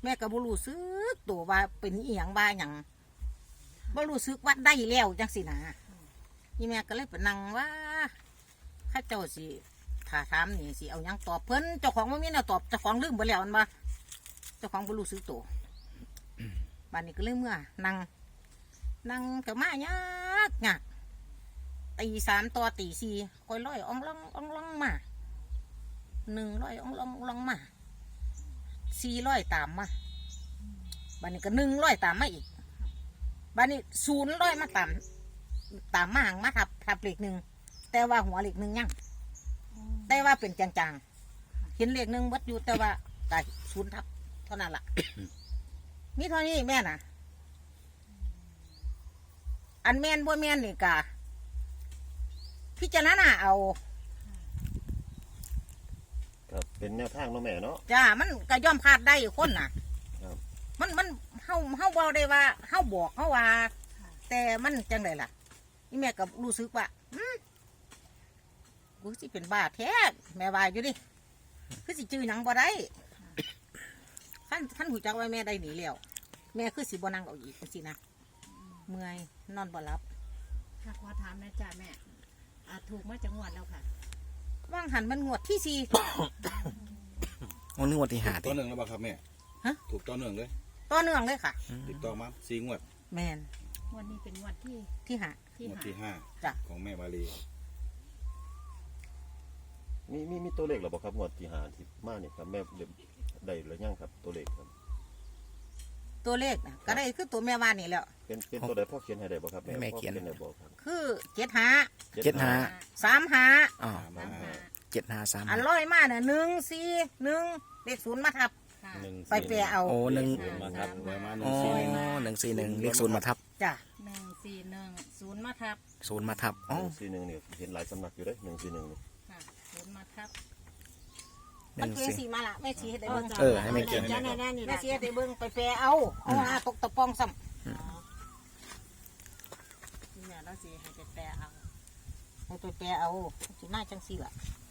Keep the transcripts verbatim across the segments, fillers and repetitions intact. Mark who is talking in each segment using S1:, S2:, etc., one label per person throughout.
S1: แม่ก็บ่รู้สึกตัวว่าเป็นอีหยังบ้าหยังบ่รู้สึกว่าได้แล้วจังสินะนี่แม่ก็เลยไปนั่งว่าข้าเจ้าสิถ้าถามนี่สิเอาหยังตอบเพิ่นเจ้าของบ่มีแนวตอบเจ้าของลืมไปแล้วมันบ่เจ้าของบ่รู้สึกตัวบัดนี้ก็เลยเมื่อนั่งนั่งก็มายากยากตีสามต่อตีสี่คอยร้อยอ่องล่องอ่องล่องมาหนึ่งร้อยอ่องล่องอ่องล่องมาสี่ร้อยตามมาบัดนี้ก็หนึ่งร้อยตามมาอีกบัดนี้ศูนย์ร้อยมาตามตามมาหางมาทับทับเลขหนึ่งแต่ว่าหัวเลขหนึ่งยังแต่ว่าเป็นจางๆเห็นเลขหนึ่งวัดอยู่แต่ว่าแต่ศูนย์ทับเท่านั้นล่ะ มีเท่านี้แม่น่ะอันแม่นบ่แม่นนี่กะพิจารณาเอา
S2: ครับเป็นแนวทางเนาะแม่เนาะ
S1: จ้ามันก็ย่อมพลาดได้คนน่ะ
S2: ครับ
S1: มันมันเฮาเฮาบอกได้ว่าเฮาบอกเฮาว่า แต่มันจังไดล่ะนี่แม่ก็รู้สึกว่าอืมกูสิเป็นบ้าแท้แม่ว่าอยู่ดิคือสิจื้อหยังบ่ได้ขั้นขั้นหูจักว่าแม่ได้หนีแล้วแม่คือสิบ่นั่งเอาอีกจังซี่นะเมื่อยนอนบ่หลับ
S3: ค่ะขอถามนะจ้าแม่อ่าถูกมาจากงวดแล้วค่ะ
S1: ว่างหันมันงวดที่สี่
S4: โอ้นึกว่าที่หา
S5: ตัวหนึ่งแล้วเปล่าครับแม่
S1: ฮะ
S5: ถูกตัวหนึ่งเลย
S1: ต่อเนื่องเลยค่ะ
S5: ติดต่อมาสี่งวด
S1: แมน
S3: งวดนี้เป็นงวดที่
S1: ที่หา
S3: ที่
S5: งวด
S3: หา
S5: ที่ห้า
S1: จ้ะ
S5: ของแม่วาลี
S2: มีมีมีตัวเลขหรอบ่ครับงวดที่หาที่มาเนี่ยครับแม่เดี๋ยวได้หรือยังครับตัวเลขครับ
S1: ตัวเลขนะก็ได้คือตัวแม่ว่านี่แหล้ว
S2: เป็นเป็นตัวใดพ่อเขียนให้ได้บ่ครับแม่พ่อเขียนได้บ่ครับ
S1: คือเจ็ดหา
S4: เจ็ดห้า
S1: สามหา
S4: อ๋อ
S5: มา
S3: สามหา
S4: เจ็ดห้าสาม
S1: อันร้อยมาเนี่ยหนึ่งสี่หนึ่งเลขศูนย์มาทับ
S3: ค่ะ
S2: หนึ่ง
S1: ไปแปลเอา
S4: โอ้หนึ่ง
S5: มาครับไว้มาหนึ่
S4: อ๋
S5: ง
S4: อ
S5: สี่หนึ่ง
S4: หนึ่งสี่หนึ่งเลขศูนย์มาทับ
S1: จ้ะ
S3: หนึ่งสี่หนึ่งศูนย์มาทับ
S4: ศูนย์มาทับ
S2: ห
S4: อ๋อ
S2: นึ่งสี่หนึ่งเนี่ยเห็นหลายสำนักอยู่เด้หนึ่งสี่หนึ่งนี่
S3: ค่ะศูนย์มาทับ
S4: ห
S1: มัน
S4: นึ่ง
S1: เป็น
S4: สี่
S1: สีมาละแม่ชี้ให้ได้เบิ้ง
S4: เออให้แม่เขียน
S3: จ้าแน่ๆนี่
S1: แม่
S3: นะ
S1: ชี้ให้ได้เบิ้งไปแปลเอาเอาหาตกตะปองซ้
S3: นี่แม่เราสิให้ไปแปลเอา
S1: ำให้ไปแปลเอาสิมาจังสี่ล่ะ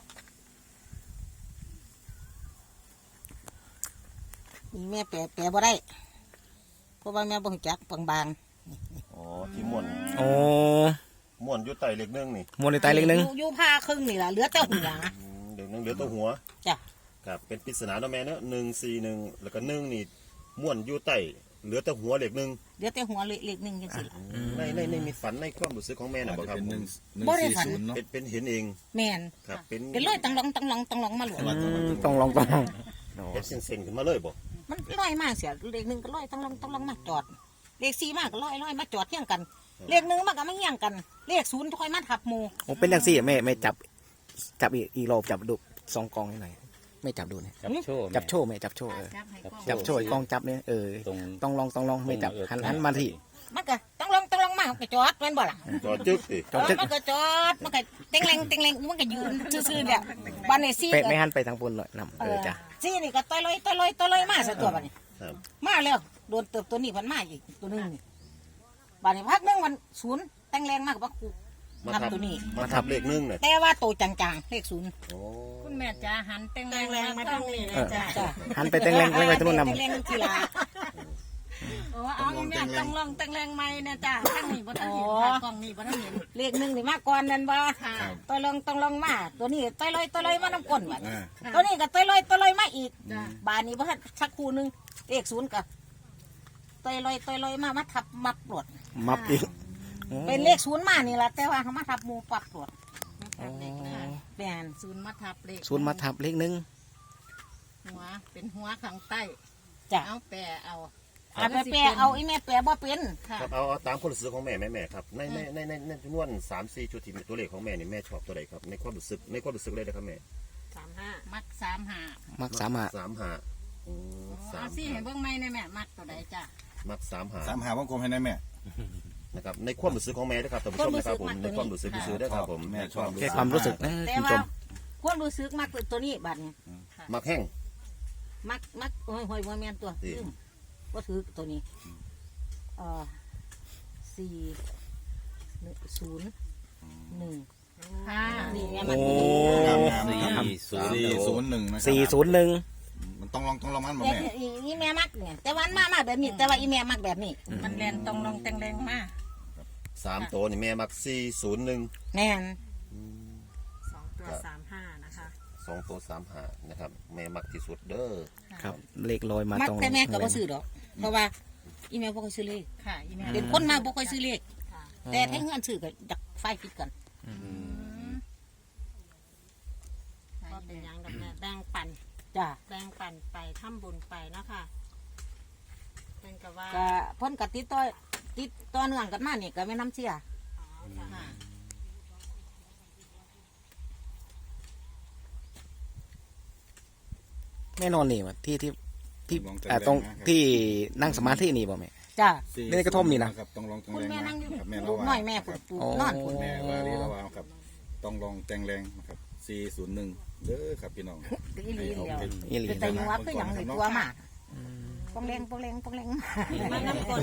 S1: นี่แม่แปลแปลบ่ได้เพราะว่าแม่บ่รู้จักบาง
S2: อ๋อที่ม่วน
S4: โอ้
S2: ม่วนอยู่ใต้เลขหนึ่งนี่
S4: มวลใน
S1: ๆ
S4: ไตเลขหนึ่ง
S1: อยู่อยู่ผ้าครึ่งนี่ล่ะเหลือแต่หัว
S2: อืมเลขหนึ่งเหลือตัวหัว
S1: จ้ะ
S2: ครับเป็นปริศนาเนาะแม่เนาะหนึ่งสี่หนึ่งแล้วก็หนึ่งนี่ม่วนอยู่ใต้เหลือแต่หัวเลขหนึ่ง
S1: เหลือแต่หัวเลขหนึ่งจังสี่ล่ะ
S2: ในในในมีฝันในความรู้สึกของแม่น่ะ
S5: อาจ
S2: บ่
S5: จะ
S2: ครับ
S5: เป็นหนึ่งหนึ่ง
S1: บ่ได้
S5: สี่
S1: ฝัน
S5: ศูนย์เนาะ
S2: เป็นเป็นเห็นเอง
S1: แม่น
S2: ครับเป็น
S1: เป็นร้อยตังหลองตังหลองตังหลองมาหลวง
S4: อืมต้องลองต้องลองโอ้
S2: เป็นเส้นๆขึ้นมาเลยบ่
S1: มันร้อยมากเสียเลขหนึ่งก็ร้อยตังหลองตังหลองมาจอดเลขสี่มากก็ร้อยร้อยมาจอดเที่ยงกัน เลขหนึ่งมากก็ไม่เที่ยงกัน เลขศูนย์ค่อยมาทับหมู่
S4: โอ้เป็นอย่างสี่แม่แม่จับ จับอีกอีกรอบจับดูสองกองให้หน่อยไม่จับดูเนี่ย
S6: จับโชว์
S4: จับโชว์แม่จับโชว์เออ
S3: จับให้กล้อง
S4: จับโชว์อีกกองจับเนี่ยเออ
S6: ตรง
S4: ต้องลองต้องลองไม่จับหันหันมาที่
S1: มันก็ตังหลองตังหลองมาก็จอดแม่นบ่ล่ะ
S2: จอดจึกสิ
S4: จอดจึ๊ก
S1: มันก็จอดมันก็เต็งแรงเต็งแรงมันก็ยืนซื่อๆเนี่ยบ้านในซี่
S4: เป็ด
S1: ก็
S4: ไม่หันไปทางบนหน่อยนำ
S1: เอ
S4: เอ
S1: อ
S4: อจ้ะ
S1: ซี่นี่ก็ต่อยลอยต่อยลอยต่อยลอยมาซะตัวบัดนี้
S2: ครับ
S1: มาแล้วโดนเติบตัวนี้พันมาอีกตัวหนึงนี่บัดนี้พักหนึงมันศูนย์แต่งแรงมากกว่ากู
S2: มา
S1: นับ
S2: ทับ
S1: ตัวนี้
S2: มาทับเลขหนึ่งน่ะ
S1: แต่ว่าโตจางๆเลขศูนย์
S2: โอ้
S3: คุณแม่จ้าหันเต็งแรง
S1: แรงมาทางนี้
S3: เล
S1: เลย ย
S3: จ้า
S1: จ้ะ
S4: หันไปแตงแรงไปตรงนู้นนำ
S1: เต็งแรงทีละ
S3: โอ้เอาแม่ต้องลองเต็งแรงใหม่นะจ้าข้างนี้บ่ทันเห็น
S1: อ๋อ
S3: ค่ะกล้องนี้บ่ทันเห็น
S1: เลขหนึ่งนี่มาก่อนนั่นบ่
S3: ค่ะ
S1: ตัวลองต้องลองมาตัวนี้ตัวลอยตัวลอยมาน้ำก้นบัด
S5: อ่า
S1: ตัวนี้ก็ตัวลอยตัวลอยมาอีก
S3: จ้า
S1: บานนี้บ่ทันสักคู่หนึงเลขศูนย์ก็ตัวลอยตัวลอยมามาทับมับปลด
S4: มับอีกโอ้
S1: เป็นเลขศูนย์มานี่แหละแต่ว่าเขามาทับหมูปับปลด
S4: โอ้
S1: แมน
S3: ศูนย์มาทับเลข
S4: ศูนย์มาทับเลขหนึ่ง
S3: หัวเป็นหัวข้างใต้
S1: จ้ะ
S3: เอาแปะเอา
S1: เอาไปแปลเอาอีแม่แปลบ่เป็น
S3: ค่ะ
S2: ครับเอาเอาตามความรู้สึกของแม่แม่แม่ครับในในในในในจำนวนสามสี่ชุดที่มีตัวเลขของแม่นี่แม่ชอบตัวใดครับในความรู้สึกในความรู้สึกเลยนะครับแม่
S1: สามห้า
S3: มักสามหา
S4: มักสามหา
S2: สามหาอืมสา
S3: เอา
S2: ม
S3: สิ
S2: หา
S3: ให้เบิ่งใหม่ในแม่มักตัวใดจ้า
S2: มักสามหา
S5: สามหาวงกลมให้ได้แม่
S2: นะครับในความรู้สึกของแม่นะครับท่านผู้ชมนะครับผมในความรู้สึกซื่อๆด้วยครับผม
S5: แม่ชอบ
S4: แค่ความรู้สึกนะ
S1: แต่
S4: คุณผู้ช
S1: ว่าม ความรู้สึกมักตัวนี้บัดนี้
S2: มักแห้ง
S1: มักมักโอ้ยหอยบ่แม่นตัว
S2: สิ
S1: ลืมว่าถือตัวนี้เอ่อสี่หนึ่งศูนย์หนึ่ง
S3: ค่ะ
S1: นี่แม่
S4: โอ้
S1: มัน
S5: งามงาม
S6: สี่
S5: ครับ
S6: ศูนย์
S5: สี่ศูนย์หนึ่งนะครับ
S4: สี่ศูนย์หนึ่ง
S5: มมันต้องลองต้องลองมันบ่
S1: แต่
S5: แม่
S1: อีอีแม่มักเนี่ยแต่วันมามาแบบนี้ แต่ว่าอีแม่มักแบบนี้
S3: มันแลนตรงลงแตงแรงมาก
S2: สามตัวนี่แม่มักสี่ศูนย์หนึ่ง
S1: แม่น
S3: สองตัวสามห้านะคะ
S2: สองตัวสามห้านะครับ แม่มักที่สุดเด้อ
S4: ครับ เลขลอยมา
S1: มัก
S4: ตรง
S1: แต่แม่ก็บ่ซื้อดอก เพราะว่าอีแม่บ่ค่อยซื้อเลข
S3: ค่ะอีแม่
S1: เป็นคนมาบ่ค่อยซื้อเลข
S3: ค่ะ
S1: แต่ถ้าเงินซื้อก็ดักไฟฟิตกัน
S3: ก็เป็นอย่างดอกแม่แบ่งปัน
S1: จ้า
S3: แบ่งปันไปทำบุญไปเนาะค่ะเป็นกับว่า
S1: ก็เพิ่นก็ติดต่อติดต่อเนื่องกันมานี่ก็แม่น้ำเชี่ย
S3: อ๋อค่ะ
S4: แม่นอนนี่วะที่ที่ที่
S5: ลอง
S4: อ่า
S5: แง
S4: ตรง
S5: นะครับ
S4: ที่นั่งสมาธินี่บ่แม่
S1: จ้า
S5: สี่
S4: ในกระท่อมนี่นะ
S5: ครับต้องลองแตง
S1: คุณ
S5: แรง
S1: แม่นั่งอยู่
S5: ครับแม่
S1: ลู
S5: ละ
S1: ก
S5: วา
S1: น้อยแม่
S5: ค
S1: ปุ่
S5: รั
S1: น
S5: บ
S1: ปู
S4: อ๋อ
S1: นอนปุ่น
S5: แม่วารีละวาครับต้องลองแตงแรงนะครับสี่ศูนย์หนึ่งเด้อครับพี่น้อง
S1: อีหลีเดียว
S4: อีหลี
S1: เป็นแต่ยังว่าคือหยังนี่ตัวมาปองแรงปองแรงปองแรง
S3: มาน้ำกล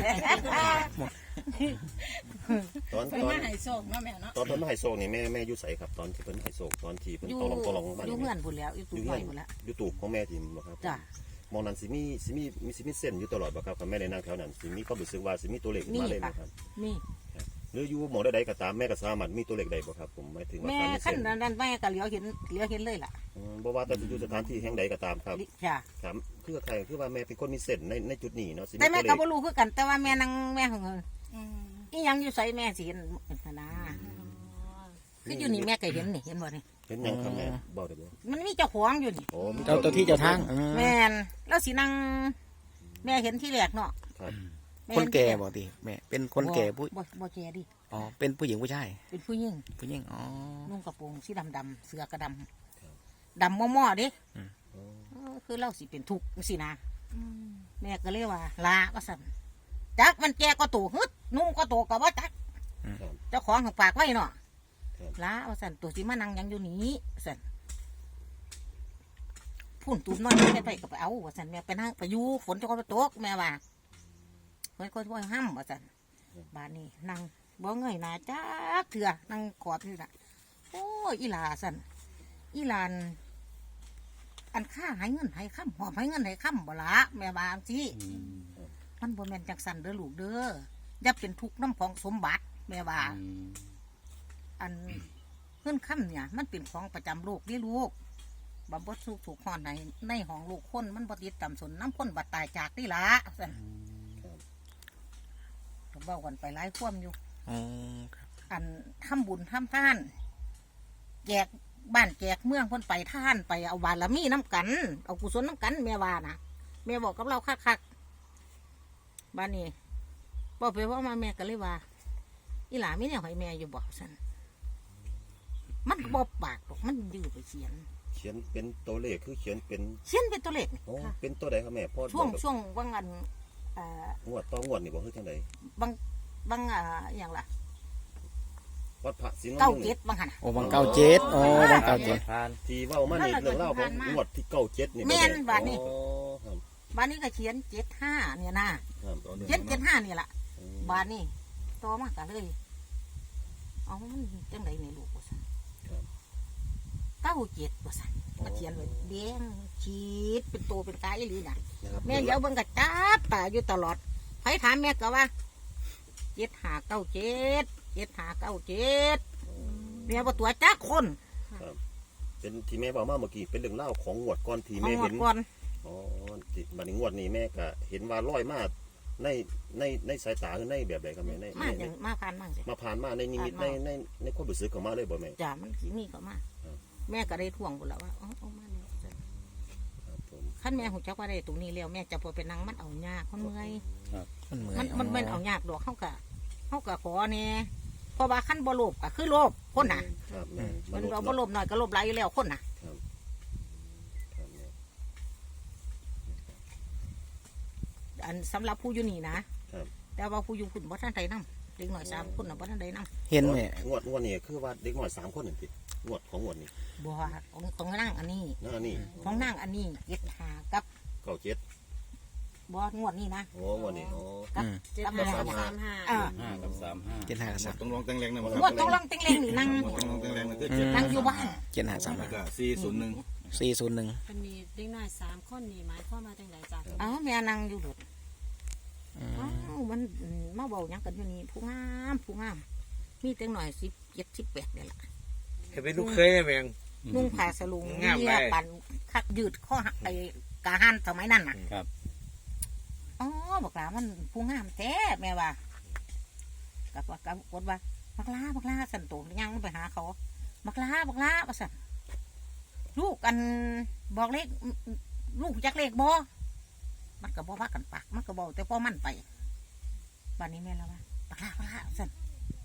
S2: ตอน
S3: เพิ่น
S2: ตอน
S3: มาให้โชคเนาะแม่เนาะ
S2: ตอนเพิ่นมาให้โศกนี่แม่แม่อยู่ใสครับตอนที่เพิ่นให้โศกตอนที่เพิ่น
S1: อยู่
S2: ตองลองตองลองบ้าน
S1: อยู่
S2: นี่
S1: เงื่อนพุ่นแล้วอยู่
S2: อ
S1: ตู้
S2: ยู่
S1: น้
S2: เงื่อย น
S1: อพุ่นแล้ว
S2: อยู่ตูบของแม่ที่บ่ครับ
S1: จ้ะ
S2: มองนั้นสิมีสิมีมีสิมีเส้นอยู่ตลอดบ่ครับกับแม่ในนางแถวนั้นสิมีความรู้สึกว่าสิมีตัวเลขขึ้นมาเลยไหมครับ
S1: นี่
S2: หรืออยู่หมองใดๆก็ตามแม่ก็สามารถมีตัวเลขใดบ่ครับผมหมายถึงว่า
S1: แม่
S2: การมี
S1: ขั้
S2: เส้
S1: น
S2: น
S1: นั้นแม่ก็เหลียวเห็นเหลียวเห็นเลยล่ะ
S2: อืมบ่ว่าแต่จะอยู่สถานที่แห่งใดก็ตามครับ
S1: จ้ะ
S2: ครับคือใครคือว่าแม่เป็นคนมีเส้นในในจุดนี้เนาะสิมี
S1: แต่แม่
S2: ตัวเล
S1: ก็
S2: ข
S1: บ่รู้คือกัน แต่ว่าแม่นั่งแม่ของเงิน
S3: อืม
S1: อีหยังอยู่ใส่แม่สิเห็นนะคืออยู่นี่แม่ก็เห็นนี่เห็นบ่นี่
S2: เห็นหยังครับแม่บอกได้บ่
S1: มันมีเจ้าของอยู่นี่
S2: โอ้มี
S4: เจ้าเจ้าที่เจ้าทางอืม
S1: แม่นแล้วสินั่งแม่เห็นที่แรกเนาะ
S2: ครับ
S1: ม่
S4: คน
S1: เห็
S4: แก่
S1: ที่ร
S4: บ่ติแม่เป็นคนแก่ผู้
S1: บ่บ่แก่ดิ
S4: อ๋อเป็นผู้หญิงผู้ชาย
S1: เป็นผู้หญิง
S4: ผู้หญิงอ๋อ
S1: นุ่งกระโปรงสีดำดำๆเสื้อกระดำดำม่อๆเดิ
S4: อืม
S1: เออคือเราสิเป็นทุกข์สินะ
S3: อืม
S1: แม่ก็เลยว่าลาว่าสั่นจักมันแก่ก็โตฮึดนุ่มก็โตก็ว่าจัก
S2: ครับ
S1: เจ้าของของปากไว้เนาะ
S2: ครับ
S1: ลาว่าสั่นตัวสิมานั่งหยังอยู่นี้สั่นพุ่นตูมน้อยแม่ไปก็ไปเอาว่าสั่นแม่ไปนั่งไปอยู่ฝนจะก็ไปตกแม่ว่าเฮ้ยก็ช่วยห้ามว่าสั่นบ้านนี้นั่งบ่เงยหน้าจักเถื่อนั่งกอดอยู่น่ะโอ้ยอีหลาสั่นอีหลาน อันค่าให้เงินให้ค่ำหอบให้เงินให้ค่ำบ่ละแม่บาสิมันบ่แม่นจังสันเด้อลูกเด้ออย่าเป็นทุกข์น้ำของสมบัติแม่บาอันเงินค่ำเนี่ย มันเป็นของประจำโลกนี่ลูกบำบัดสุขถูกหอนในในห้องลูกคนมันบ่ติดต่ำสนน้ำคนบัดตายจากนี่ละสันก็เว้ากันไปหลายความอยู่
S4: อ๋อครับ
S1: อันทำบุญทำทานแจกบ้านแจกเมืองเพ่นไปท่านไปเอาบารมีน้ำกัน เอากุศลน้ำกันแม่ว่านะแม่บอกกับเราคักๆบ้านนี้บอกไปว่ามาแม่ก็เลยว่าอีหลาไม่เนี่ยให้แม่อยู่บอกสันมันบอบปากบอกมันยื้อไปเขียน
S2: เขียนเป็นตัวเลขคือเขียนเป็น
S1: เขียนเป็นตัวเลขนี่
S2: โอ้เป็นตัวใดครับแม่พ่อ
S1: ช่วง
S2: บอก
S1: ช่วงบางอันเอ่อง
S2: วดต่องวดนี่บ่คือจังได
S1: บางบางอ่าอหย่างล่ะ
S2: วัดพระสิงห์
S1: เก้า
S2: นุ่ง
S1: เจ็ดบางหันน่ะ
S4: โอ้บังเก้าเจ็ดโอ้บังเก้าเจ็ด
S2: ที่เว้ามานี่เรื่องเล่าของงวดที่เก้าเจ็ดนี่
S1: แม่นบาดนี้
S2: อ๋อครับ
S1: บ้านนี้ก็เขียนเจ็ดห้าเนี่ยนะครับ
S5: ต่อหนึ่ง
S1: เขียนเจ็ด
S5: เนาะ
S1: ห้านี่แหละ
S2: อืม
S1: บ้านนี้ต่อมากันเลย เอามันจังไดในลูกว่าสัน
S2: ครับ
S1: เก้าเจ็ดว่าสันมาเขียนไว้แดงขีดเป็นตัวเป็นกายอีหลีน่ะ
S2: นะครับ
S1: แม่เดี๋ยวเบิ่งก็จับตาอยู่ตลอดใครถามแม่ก็ว่าเจ็ดหาเก้าเจ็ดเจ็ดหาเก้าเจ็ดแม่ว่าตัวจ้าคน
S2: ครับเป็นที่แม่บอกมาเมื่อกี้เป็นเรื่องเล่าของงวดก่อนที่
S1: เอา
S2: แม่
S1: หม
S2: เห็
S1: ด
S2: น
S1: ก่อน
S2: อ๋อที่บัดนี้งวดนี้แม่ก็เห็นว่าลอยมาในในในสายตาคือในแบบใดครับแม่ใน
S1: มา
S2: ใน
S1: อย่างมาผ่านมั่งสิ
S2: มาผ่านมาในนิมิตใน
S1: ผ่านมา
S2: ในในความรู้สึกของมาเลยบ่แม่
S1: จ้ามันสิมีก็มา
S2: ครับ
S1: แม่ก็ได้ท่วงบุญแล้วว่าเอาเอามาเนี่ย
S2: ครับผม
S1: ขั้นแม่หูจักว่าได้ตรงนี้แล้วแม่จะพอไปนั่งมันเอายากมันเมื่อย
S4: มันเหมือน
S1: มันมันมันเอายากดอกเข้ากะเข้ากะขอเนี่ยเพราะว่าขั้นบ่โลภก็คือโลภคนน่ะ
S2: ครับแม่
S1: มัน
S2: ษย์
S1: เราบ่โลภหน่อยก็โลภหลายอยู่แล้วคนน่ะ
S2: ครับแม่
S1: อันสำหรับผู้อยู่นี่นะครับ แต่ว่าผู้อยู่คุณบ่ทันใดนำเด็กหน่อยสามคนน่ะบ่ทันใดนำ
S4: เห็นไหม
S2: งวดงวดนี้คือว่าเด็กน้อยสามคนนั่นสิงวดของงวดนี้
S1: บ่ว่าของของนางอันนี้
S2: นั่นนี่
S1: ของนางอันนี้เจ็ดหากับ
S2: เก้าเจ็ด
S1: บ่งวดนี้นะ
S2: โอ้งวดนี้โอ้
S1: กับ
S3: เจ็ด
S1: กับ
S3: ห้า
S1: แม่
S3: กับสามห้า
S1: อ่า
S5: ห้ากับสามห้า
S4: เจ็ดห้ากับสาม
S5: ต้องลองแตงแรงนะค
S1: ง
S5: รับ
S1: วดต้องลองเต็งเล็งนี่นั่ง
S5: ต้องลองแตงแรงนะคือเจ็ด
S1: นั่งอยู่บ้าน
S4: เจ็ดห้าสาม
S5: แล้วก็สี่ศูนย์หนึ่ง
S4: สี่ศูนย์หนึ่ง
S3: เป็นมีเด็กน้อยสามคนนี่หมายความว่าจังไดจ้ะ
S1: เอ้าแม่นั่งอยู่หลุดอ้าวมันอืมมาเบาหยังกันอยู่นี่ผู้งามผู้งามมีเต็งหน่อยสิบเจ็ดสิบแปดเนี่ยละ
S6: เห็นเป็นลูกเคยแมง
S1: นุ่งผ้าสลุง
S6: งาม
S1: เมี
S6: ไป
S1: ยปั่นคักยืดข้อหักไอ้กาหันสมัยนั้นน่ะ
S5: ครับ
S1: อ๋อบอกลามันผู้งามแท้แม่ว่ากับว่ากับกดว่าบักลาบักลาสันโตยังไปหาเขาบักลาบักลาว่าสันลูกกันบอกเลขลูกจักเลขบอมันก็บอกว่ากันปากมันก็บอกแต่พ่อมันไปวันนี้แม่แล้วว่าบักลาบักลาว่าสัน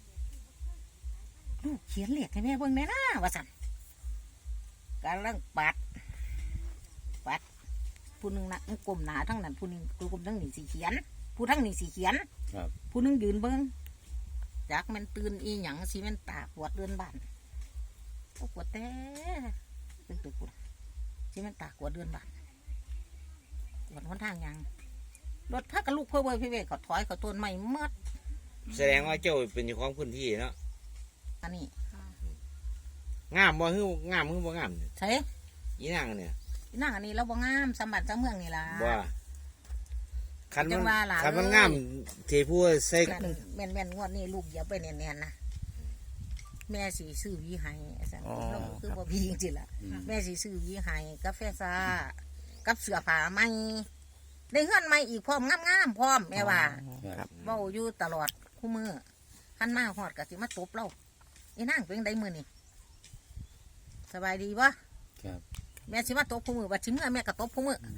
S1: ลูกเขียนเลขให้แม่เบิ่งแน่นะว่าสันกำลังปัดปัดผู้หนึงนะกลมหนาทั้งนั้นผู้หนึงกลมทั้งนี้สีเขียน ผู้ทั้งนี้สีเขียน
S5: ครับ
S1: ผู้หนึงยืนเบิ้งจากมันตื่นอีหยังสิแมันตาปวดเดือนบ้านโอ้ปวดแต่ตึกตึกปวดสิแมันตาปวดเดือนบ้านปวดหนทางหยังรถพักกับลูกเพื่อเว้ยพี่เวกเขาถอยเขาต้นไม้เมื่อ
S6: แสดงว่าเจ้าเป็นเจ้าของพื้นที่เนาะ
S1: อันนี้
S6: งามบ่ฮื้องามฮื้อบ่งามเนี่ย
S1: ใช่
S6: อีนางเนี่ย
S1: นั่งอันนี้เราบ่งามสมบัติสมเมืองนี่ล่ะ
S6: บ่คัน
S1: จั
S6: มัน
S1: งว่าล่ะ
S6: คันมัน
S1: เอ้ย
S6: งามที่ผู้ใส่
S1: นั่นแม่นแม่นงวดนี้ลูกอย่าไปแน่นๆนะแม่สีซื้อหวีให้สันเราคือบ่พีจริงๆล่ะ แม่สีซื้อหวีให้กาแฟซ่ากับเสื้อผ้าใหม่ได้เฮือนใหม่อีกพร้อมงามๆพร้อมแม่ว่า
S4: ครับ
S1: เว้าอยู่ตลอดคู่มือคันมาฮอดก็สิมาตบเราอีนางเป็นไดมื้อนี่สบายดีบ่
S5: ครับ
S1: แม่สิมาตบคู่มือว่าสิเมื่อแม่ก็ตบคู่มือ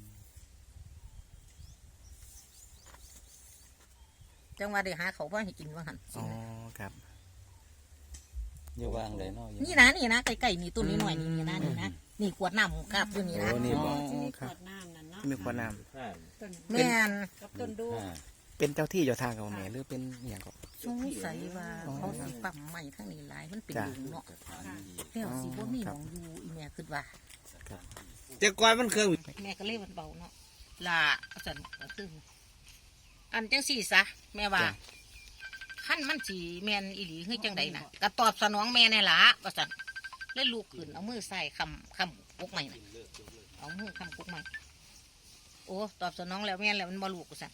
S1: จังว่าได้หาเขาวบ่ให้กินว่าหั่น
S4: อ๋อครับ
S5: อยู่วางเลยเนาะอยู่
S1: นี่นะนี่นะใกล้ๆนี่ต้นนี้หน่อยนี่นี่นะนี่นะนี่ขวดน้ำครับอยู่นี่นะ
S5: โอ้นี่บ่
S3: ที่มีข
S4: ครับ
S3: วดน้ำนั่นเนาะ
S4: มีขวดน้
S3: ต้น
S1: แม่น
S3: กับต้นดู
S5: อ่า
S4: ำเป็นเจ้าที่เจ้าทางกับแม่หรือเป็นอหย่างก็
S1: สงสัยว่าเขาสิปั๊มใหม่ทั้งนี้หลายมันเป็น
S4: จ้ะ
S1: หลุมเนาะแล้วสิบ่มีหมองอยู่อีแม่คิดว่า
S6: แต่ก่อนมันเครื่อง
S1: แม่ก็เลยมันเบาเนาะล่ะอาจารย์ก็คืออันจังสี่ซะแม่ว่าขั้นมันสีแมนอีหลีคือจังใดน่ะก็ตอบสนองแม่ในละว่าซั่นเลยลูกขึ้นเอามือใส่คำคำกุกใหม่น่ะเอามือคำกุกใหม่โอ้ตอบสนองแล้วแม่นแล้วมันบ่ลูกกูซั่น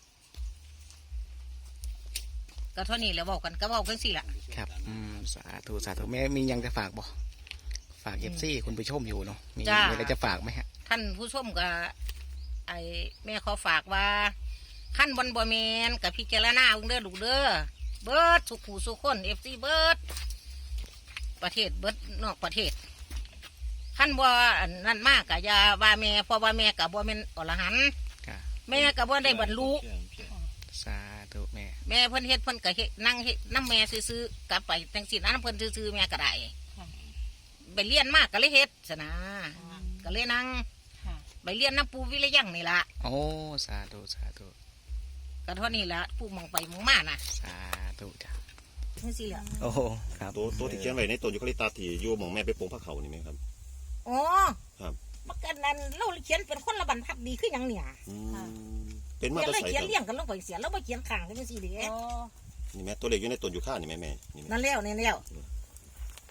S1: ก็เท่านี้แล้วเว้ากันก็เว้ากันสิล่ะ
S4: ครับอืมสาธุสาธุแม่มียังจะฝากบ่ฝากเอฟซีคุณผู้ชมอยู่เนาะมี
S1: จ้ามี
S4: มีอะไรจะฝากไหมฮะ
S1: ท่านผู้ชมก็ไอแม่ขอฝากว่าขั้นบนบ่แมนกับพิจารณาเบิ่งเด้อลูกเด้อเบิดสุขผู้สุขคนเอฟซีเบิดประเทศเบิดนอกประเทศขั้นบ่อันนั่นมากกะยาว่าแม่เพราะว่าแม่กับบ่แม่นอรหันต์
S4: ครับ
S1: แม่กับบ่ได้บรรลุ
S4: สาธุแม่
S1: แม่เพิ่นเฮ็ดเพิ่นก็เฮ็ดนั่งเฮ็ดน้ำแม่ซื่อๆกลับไปจังซี่นะน้ำเพิ่นซื่อๆแม่ก็ได้ไปเรียนมากก็เลยเฮ็ดซะนะก็เลยนั่ง
S3: ค่ะ
S1: ไปเรียนน้ำปูวิริยังนี่ล่ะ
S4: โอ้สาธุสาธุ
S1: ก็เท่านี้ละผู้มองไปมองมาน่ะ
S4: สาธุจ้ะ
S1: นี่สิละ
S4: โอ้ครับ
S2: ตัวตัวที่เขียนไว้ในต้นยูคาลิปตัสที่อยู่หมองแม่ไปปลูกผักเขานี่ไหมครับ
S1: อ๋อ
S2: ครับ
S1: มันกันนั้นเราเขียนเป็นคนละบรรทัดดีขึ้นยังเนี่ย
S2: อืมเป็นมา
S1: เขียน
S2: ตร
S1: เลย
S2: ใส
S1: เขียน
S2: ครับ
S1: เลี้ยงกันลงไปเสียแล้วมาเขียนข้างจังซี่เด้
S3: โอ้
S2: นี่แม่ตัวเล็กอยู่ในต้นยูคานี่แม่แม่นี่แม่
S1: นั่นแล้วนี่แล้ว